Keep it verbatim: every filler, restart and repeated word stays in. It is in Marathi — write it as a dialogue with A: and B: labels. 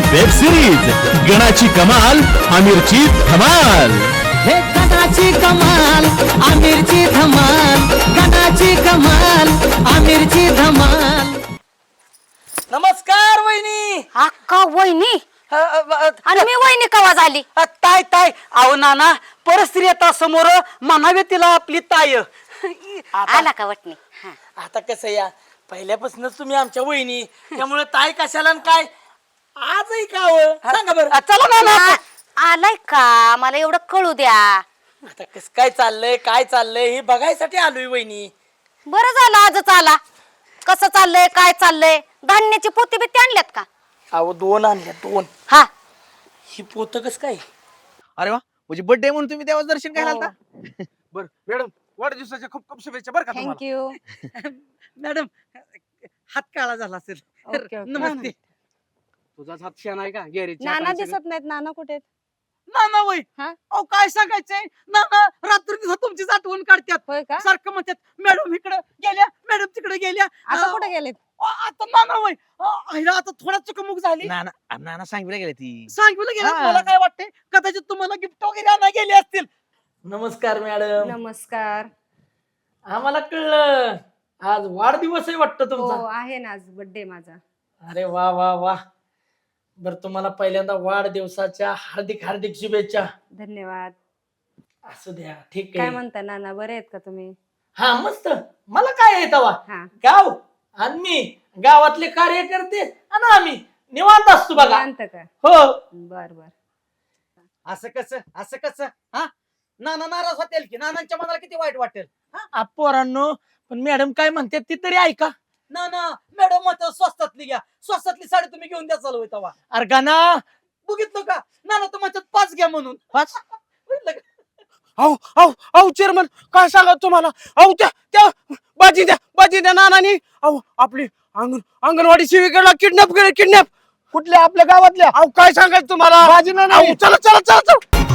A: वेब सिरीज गणाची कमाल आमिरची धमाल।
B: हे गणाची कमाल आमिरची धमाल, गणाची कमाल आमिरची धमाल। नमस्कार वहिनी।
C: अक्का वहिनी
B: अ, अ, अ,
C: आणि मी वहिनी कवा झाली?
B: अ, ताय ताय अहो नाना परस्त्री आता समोर म्हणावे तिला आपली ताय। आता
C: आला का वटणी? हा.
B: आता कसं या पहिल्यापासूनच तुम्ही आमच्या वहिनी, त्यामुळे ताय कशाला आणि काय आजही का हो? सांगा बरं। चला नाना
C: आ- आलाय का? मला एवढं कळू द्या।
B: आता कस काय चाललंय काय चाललंय हे बघायसाठी आलोय वहिनी।
C: बरं झालं आजच आला। कसं चाललंय काय चाललंय? धान्याची पोती बिती आणल्यात का?
B: अहो दोन आणल्या दोन।
C: हा
B: ही पोत कस काय?
D: अरे वा म्हणजे बर्थडे म्हणून तुम्ही देवाचं दर्शन घ्यायला आलता?
E: बर मॅडम वाढदिवसाच्या खूप खूप शुभेच्छा बरं का तुम्हाला.
F: थँक्यू.
B: मॅडम हात काळा झाला असेल
F: ओके, ओके.
B: नमस्ते।
E: तुझाच हात शान आहे का गॅरेज
F: नाना दिसत नाहीत. नाना कुठे आहेत?
B: नाना वय
F: हा?
B: अहो काय सांगायचंय नाना रात्री दिवसा तुमचीच आठवण काढतात।
F: होय का?
B: सारखं म्हणतात मॅडम इकडे गेल्या मॅडम तिकडे गेल्या।
F: आता
B: अं,
F: कुठे गेलेत?
B: अ, आता नाना वय आईला आता थोडा चुकमुक झाली।
D: नाना नाना सांगितलं गेले ती
B: सांगितलं गेलं
D: हा.
B: मला काय वाटतंय कदाचित तुम्हाला गिफ्ट वगैरे आणा गेले असतील। नमस्कार मॅडम।
F: नमस्कार.
B: आम्हाला कळलं आज वाढदिवस आहे वाटतं
F: हो
B: तुमचा।
F: आहे ना, आज बर्थडे माझा.
B: अरे वा वा वा। बर तुम्हाला पहिल्यांदा वाढदिवसाच्या हार्दिक हार्दिक शुभेच्छा।
F: धन्यवाद.
B: असू द्या ठीक
F: काय
B: आहे।
F: म्हणता नाना, बरे आहेत का तुम्ही?
B: हा मस्त मला काय येत वा
F: हा.
B: गाव आणि मी गावातले कार्यकर्ते आणि आम्ही निवांत असतो बघा।
F: शांत का?
B: हो
F: बर बर.
D: असं कसं असं कसं हा नाना नाराज होतील की नानांच्या मनाला किती वाईट वाटेल.
B: आ, पोरांनो पण मॅडम काय म्हणतात ती तरी ऐका ना ना। मॅडम म्हणतात स्वस्तातली घ्या, स्वस्तातली साडी तुम्ही घेऊन द्या चालू तवा। अरे गाना बघितलं का नाना तर म्हणतात पाच घ्या म्हणून।
D: पाच?
B: बघितलं का?
E: अहो अहो अहो चेअरमन काय सांगा तुम्हाला अहो त्या त्या बाजी द्या बाजी द्या नानानी अहो आपली अंगण अंगणवाडी सेविकेला किडनॅप केलं किडनॅप कुठल्या आपल्या गावातल्या अहो काय सांगायचं तुम्हाला बाजी ना चला चला चला चला